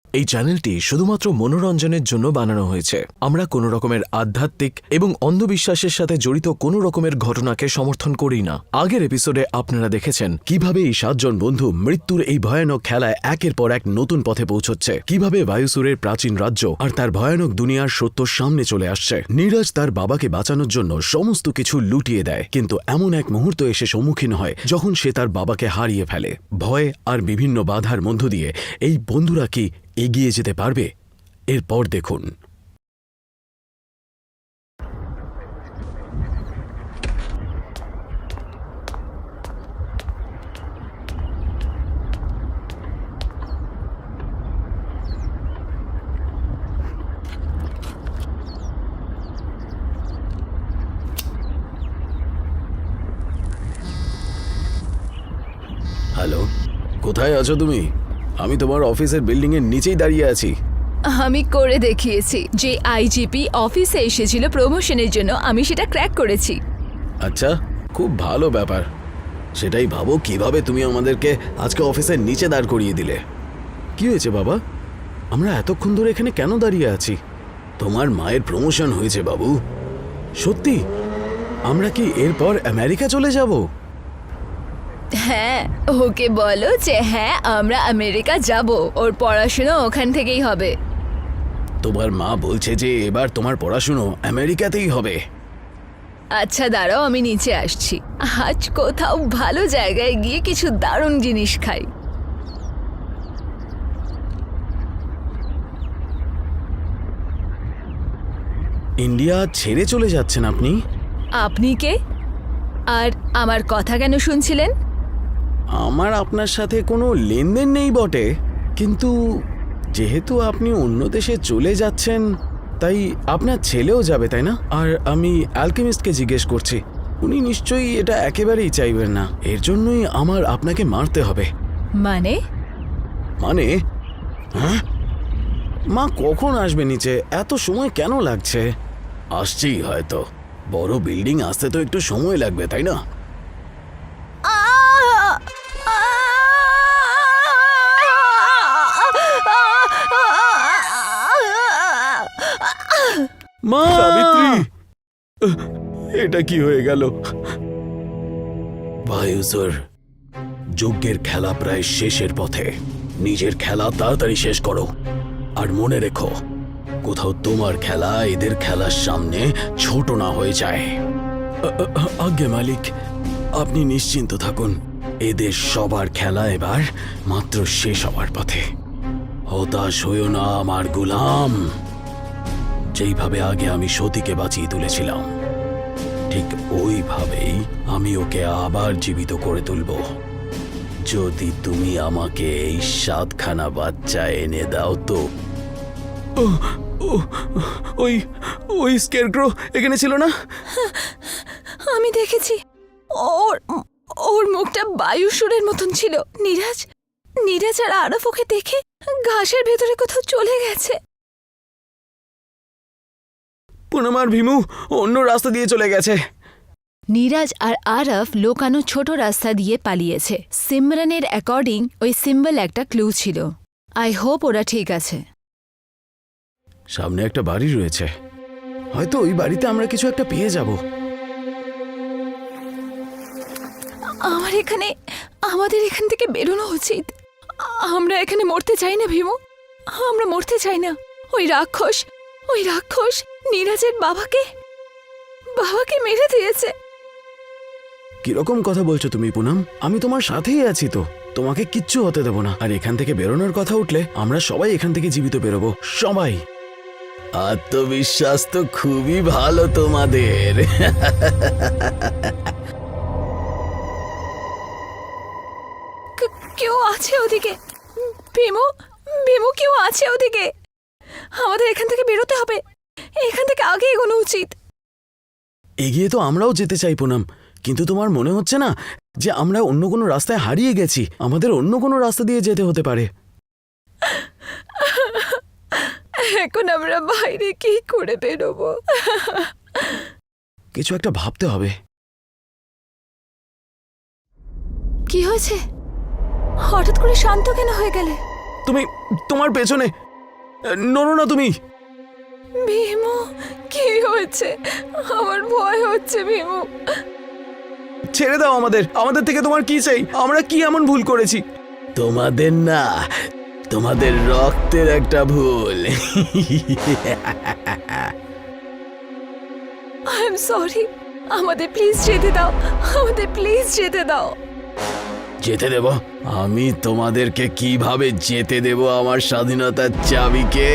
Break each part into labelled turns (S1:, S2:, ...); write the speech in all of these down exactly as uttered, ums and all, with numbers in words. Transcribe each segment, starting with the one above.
S1: এই চ্যানেলটি শুধুমাত্র মনোরঞ্জনের জন্য বানানো হয়েছে। আমরা কোনো রকমের আধ্যাত্মিক এবং অন্ধবিশ্বাসের সাথে জড়িত কোনো রকমের ঘটনাকে সমর্থন করি না। আগের এপিসোডে আপনারা দেখেছেন কিভাবে এই সাতজন বন্ধু মৃত্যুর এই ভয়ানক খেলায় একের পর এক নতুন পথে পৌঁছচ্ছে, কিভাবে বায়ুসুরের প্রাচীন রাজ্য আর তার ভয়ানক দুনিয়ার সত্য সামনে চলে আসছে। নীরজ তার বাবাকে বাঁচানোর জন্য সমস্ত কিছু লুটিয়ে দেয়, কিন্তু এমন এক মুহূর্ত এসে সম্মুখীন হয় যখন সে তার বাবাকে হারিয়ে ফেলে। ভয় আর বিভিন্ন বাধার মধ্য দিয়ে এই বন্ধুরা কি এগিয়ে যেতে পারবে? এরপর দেখুন। হ্যালো, কোথায় আছো তুমি? আমি তোমার অফিসের বিল্ডিং এর নিচেই দাঁড়িয়ে আছি।
S2: আমি করে দেখিয়েছি। যে আইজিপি অফিসে এসেছিল প্রমোশনের জন্য, আমি সেটা ক্র্যাক করেছি।
S1: আচ্ছা, খুব ভালো ব্যাপার। সেটাই ভাবো কিভাবে তুমি আমাদেরকে আজকে অফিসের নিচে দাঁড় করিয়ে দিলে। কি হয়েছে বাবা? আমরা এতক্ষণ ধরে এখানে কেন দাঁড়িয়ে আছি? তোমার মায়ের প্রমোশন হয়েছে বাবু। সত্যি? আমরা কি এরপর আমেরিকা চলে যাব?
S2: হ্যাঁ, ওকে বলো যে হ্যাঁ, আমরা আমেরিকা যাব। ওর পড়াশোনা ওখান থেকেই হবে।
S1: তোমার মা বলছে যে এবার তোমার পড়াশুনো আমেরিকাতেই হবে।
S2: আচ্ছা দাঁড়াও, আমি নিচে আসছি। আজ কোথাও ভালো জায়গায় গিয়ে কিছু দারুণ জিনিস খাই।
S1: ইন্ডিয়া ছেড়ে চলে যাচ্ছেন আপনি?
S2: আপনি কে? আর আমার কথা কেন শুনছিলেন?
S1: আমার আপনার সাথে কোনো লেনদেন নেই বটে, কিন্তু যেহেতু আপনি অন্য দেশে চলে যাচ্ছেন, তাই আপনার ছেলেও যাবে, তাই না? আর আমি অ্যালকেমিস্টকে জিজ্ঞেস করছি, উনি নিশ্চয়ই এটা একেবারেই চাইবেন না। এর জন্যই আমার আপনাকে মারতে হবে।
S2: মানে?
S1: মানে? হ্যাঁ, মা কখন আসবে নিচে? এত সময় কেন লাগছে? আসছেই হয়তো। বড় বিল্ডিং আসতে তো একটু সময় লাগবে, তাই না? মা! সাবিত্রী, এটা কি হয়ে গেল? বায়ুসুর, যজ্ঞের খেলা প্রায় শেষের পথে। নিজের খেলা তাড়াতাড়ি শেষ করো। আর মনে রেখো, কোথাও তোমার খেলা এদের খেলার সামনে ছোট না হয়ে যায়। আজ্ঞে মালিক, আপনি নিশ্চিন্ত থাকুন। এদের সবার খেলা এবার মাত্র শেষ হওয়ার পথে। হতাশ হইও না আমার গোলাম। যেইভাবে আগে আমি সতীকে বাঁচিয়ে তুলেছিলাম, ঠিক ওইভাবেই আমি ওকে আবার জীবিত করে তুলব, যদি তুমি আমাকে এই সাতখানা বাচ্চা এনে দাও তো। ওই ওই স্কেয়ারক্রো এখানে ছিল না?
S2: আমি দেখেছি। ওর ওর মুখটা বায়ুসুরের মতন ছিল। নীরাজ নীরাজ আর আরফ ওকে দেখে ঘাসের ভেতরে কোথাও চলে গেছে।
S1: পুনম আর ভীমু অন্য রাস্তা দিয়ে চলে গেছে।
S2: নীরাজ আর আরফ লোকানো ছোট রাস্তা দিয়ে পালিয়েছে। সিমরানের অ্যাকর্ডিং ওই সিম্বল একটা ক্লু ছিল। আই হোপ ওরা ঠিক আছে।
S1: সামনে একটা বাড়ি রয়েছে, হয়তো ওই বাড়িতে আমরা কিছু একটা পেয়ে যাব।
S2: আমার এখানে আমাদের এখান থেকে বেরোনো উচিত। আমরা এখানে মরতে চাই না ভীমু, আমরা মরতে চাই না। ওই রাক্ষস ওই রাক্ষস নীরাজের বাবাকে বাবাকে মেরে দিয়েছে।
S1: কিরকম কথা বলছো তুমি পুনম? আমি তোমার সাথেই আছি তো, তোমাকে কিচ্ছু হতে দেব না। আর এখান থেকে বেরোনোর কথা উঠলে আমরা সবাই এখান থেকে জীবিত বেরোবো, সবাই। আত্মবিশ্বাস তো খুবই ভালো তোমাদের।
S2: কেউ আছে ওদিকে? ভীমু ভীমু কেউ আছে ওদিকে? আমাদের এখান থেকে বেরোতে হবে। এখান থেকে আগে এগোনো উচিত।
S1: এগিয়ে তো আমরাও যেতে চাই পুনম, কিন্তু তোমার মনে হচ্ছে না যে আমরা অন্য কোনো রাস্তায় হারিয়ে গেছি? আমাদের অন্য কোনো রাস্তা দিয়ে যেতে হতে পারে।
S2: এখন আমরা বাইরে কি করে বেরোবো?
S1: কিছু একটা ভাবতে হবে।
S2: কি হয়েছে? হঠাৎ করে শান্ত কেন হয়ে গেলে?
S1: তুমি তোমার পেছনে নড়ো না তুমি।
S2: ভীমু, কি হয়েছে? আমার ভয় হচ্ছে ভীমু।
S1: ছেড়ে দাও আমাদের, আমাদের থেকে তোমার কি চাই? আমরা কি এমন ভুল করেছি? তোমাদের না, তোমাদের রক্তের একটা ভুল।
S2: আই এম সরি, আমাদের প্লিজ যেতে দাও, আমাদের প্লিজ যেতে দাও।
S1: যেতে দেব? আমি তোমাদেরকে কিভাবে যেতে দেব আমার স্বাধীনতার চাবিকে?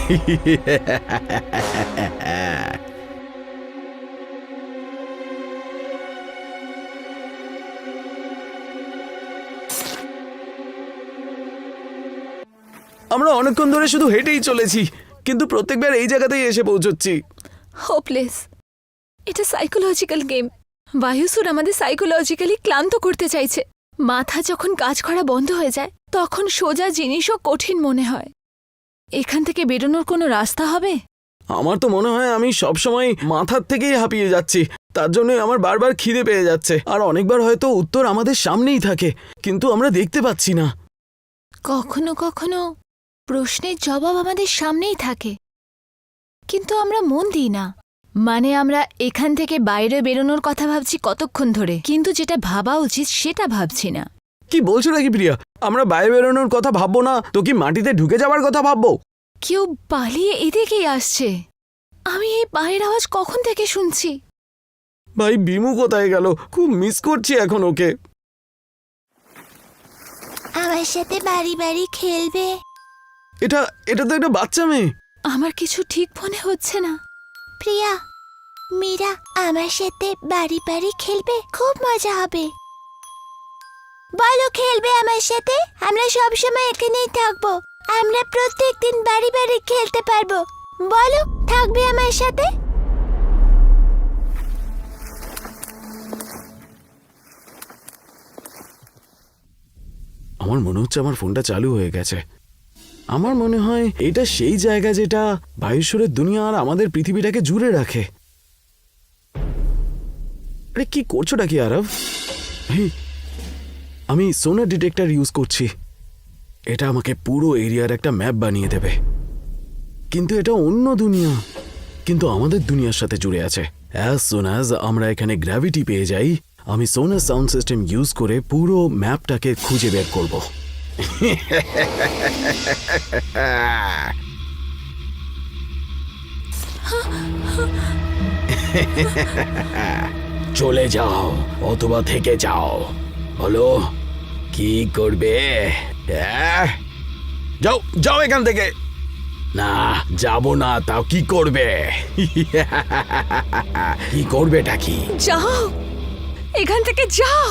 S1: আমরা অনেকক্ষণ ধরে শুধু হেঁটেই চলেছি, কিন্তু প্রত্যেকবার এই জায়গাতেই এসে পৌঁছচ্ছি।
S2: হোপলেস। এটা সাইকোলজিক্যাল গেম। বায়ুসুর আমাদের সাইকোলজিক্যালি ক্লান্ত করতে চাইছে। মাথা যখন কাজ করা বন্ধ হয়ে যায় তখন সোজা জিনিসও কঠিন মনে হয়। এখান থেকে বেরোনোর কোনো রাস্তা হবে?
S1: আমার তো মনে হয় আমি সবসময় মাথার থেকেই হাঁপিয়ে যাচ্ছি, তার জন্যই আমার বারবার খিদে পেয়ে যাচ্ছে। আর অনেকবার হয়তো উত্তর আমাদের সামনেই থাকে, কিন্তু আমরা দেখতে পাচ্ছি না।
S2: কখনো কখনো প্রশ্নের জবাব আমাদের সামনেই থাকে, কিন্তু আমরা মন দিই না। মানে আমরা এখান থেকে বাইরে বেরোনোর কথা ভাবছি কতক্ষণ ধরে, কিন্তু যেটা ভাবা উচিত সেটা ভাবছি না।
S1: কি বলছো নাকি প্রিয়া? আমরা বাইরে বেরোনোর কথা ভাববো না তো কি মাটিতে ঢুকে যাওয়ার কথা ভাববো?
S2: কেউ পালিয়ে এদিকেই আসছে। আমি এই পায়ের আওয়াজ কখন থেকে শুনছি।
S1: ভাই বিমু কোথায় গেল? খুব মিস করছি এখন ওকে।
S3: আমার সাথে বাড়ি বাড়ি খেলবে?
S1: এটা এটা তো একটা বাচ্চা মেয়ে।
S2: আমার কিছু ঠিক মনে হচ্ছে না।
S3: প্রিয়া, মীরা আমার সাথে বাড়ি বাড়ি খেলবে? খুব মজা হবে। বলো, খেলবে আমার সাথে? আমরা সব সময় এখানেই থাকবো। আমরা প্রত্যেক দিন বাড়ি বাড়ি খেলতে পারবো। বলো, থাকবে আমার সাথে?
S1: আমার মনে হচ্ছে আমার ফোনটা চালু হয়ে গেছে। আমার মনে হয় এটা সেই জায়গা যেটা বায়ুস্বরের দুনিয়া আর আমাদের পৃথিবীটাকে জুড়ে রাখে। আরে কি করছোটা কি আরব? হেই, আমি সোনার ডিটেক্টর ইউজ করছি। এটা আমাকে পুরো এরিয়ার একটা ম্যাপ বানিয়ে দেবে। কিন্তু এটা অন্য দুনিয়া, কিন্তু আমাদের দুনিয়ার সাথে জুড়ে আছে। অ্যাজ সুন অ্যাজ আমরা এখানে গ্র্যাভিটি পেয়ে যাই, আমি সোনার সাউন্ড সিস্টেম ইউজ করে পুরো ম্যাপটাকে খুঁজে বের করব। চলে যাও অথবা থেকে যাও, বলো কি করবে? আহ? যাও যাও এখান থেকে। না যাব না, তাও কি করবে? কি করবেটা কি?
S2: যাও এখান থেকে, যাও।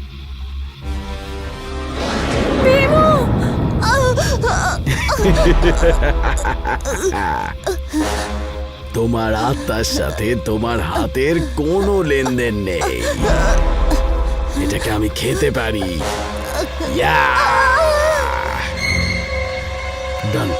S2: ভীমু!
S1: তোমার আত্মার সাথে তোমার হাতের কোনো লেনদেন নেই। এটাকে আমি খেতে পারি। ডান।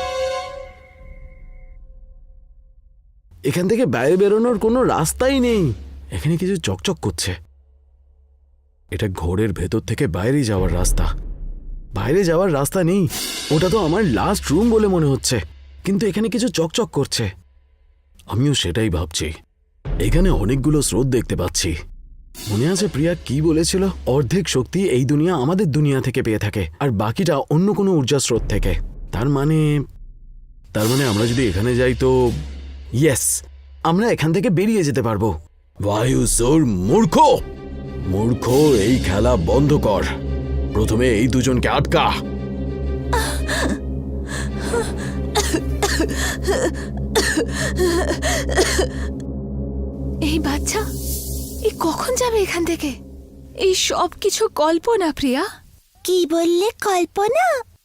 S1: এখান থেকে বাইরে বেরোনোর কোনো রাস্তাই নেই। এখানে কিছু চকচক করছে। এটা ঘোরের ভেতর থেকে বাইরে যাওয়ার রাস্তা। বাইরে যাওয়ার রাস্তা নেই। ওটা তো আমার লাস্ট রুম বলে মনে হচ্ছে, কিন্তু এখানে কিছু চকচক করছে। আমিও সেটাই ভাবছি। এখানে অনেকগুলো স্রোত দেখতে পাচ্ছি। মনে আছে প্রিয়া কি বলেছিল? অর্ধেক শক্তি এই দুনিয়া আমাদের দুনিয়া থেকে পেয়ে থাকে, আর বাকিটা অন্য কোনো ঊর্জা স্রোত থেকে। তার মানে তার মানে আমরা যদি এখানে যাই তো ইয়েস, আমরা এখান থেকে বেরিয়ে যেতে পারবো। বায়ুসুর মূর্খ, মূর্খ, এই খেলা বন্ধ কর। প্রথমে এই দুজনকে আটকা।
S2: এই বাচ্চা এই কখন যাবে এখান থেকে? এই সব কিছু কল্পনা প্রিয়া।
S3: কি বললে? কল্পনা?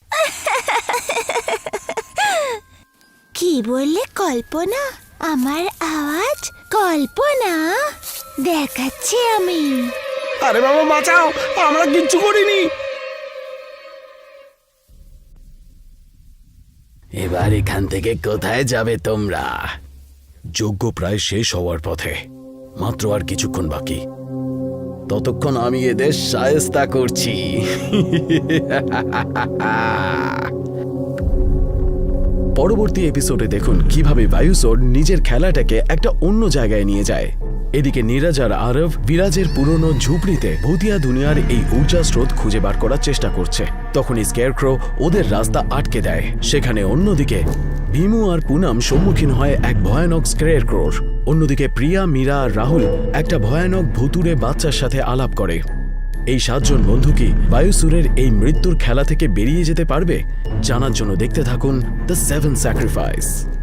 S3: কি বললে? কল্পনা? আমার আওয়াজ কল্পনা? দেখাচ্ছি আমি।
S1: আরে বাবা বাঁচাও, আমরা কিচ্ছু করিনি। এবার এখান থেকে কোথায় যাবে তোমরা? যজ্ঞ প্রায় শেষ হওয়ার পথে, মাত্র আর কিছুক্ষণ বাকি। ততক্ষণ আমি এদের শায়েস্তা করছি। পরবর্তী এপিসোডে দেখুন কিভাবে বায়ুসোর নিজের খেলাটাকে একটা অন্য জায়গায় নিয়ে যায়। এদিকে নীরজ আর আরব বিরাজের পুরনো ঝুপড়িতে ভূতিয়া দুনিয়ার এই ঊর্জা স্রোত খুঁজে বার করার চেষ্টা করছে। তখনই স্কেয়ারক্রো ওদের রাস্তা আটকে দেয়। সেখানে অন্যদিকে ভীমু আর পুনম সম্মুখীন হয় এক ভয়ানক স্কেয়ারক্রোর। অন্যদিকে প্রিয়া, মীরা আর রাহুল একটা ভয়ানক ভুতুড়ে বাচ্চার সাথে আলাপ করে। এই সাতজন বন্ধু কি বায়ুসুরের এই মৃত্যুর খেলা থেকে বেরিয়ে যেতে পারবে? জানার জন্য দেখতে থাকুন দ্য সেভেন স্যাক্রিফাইস।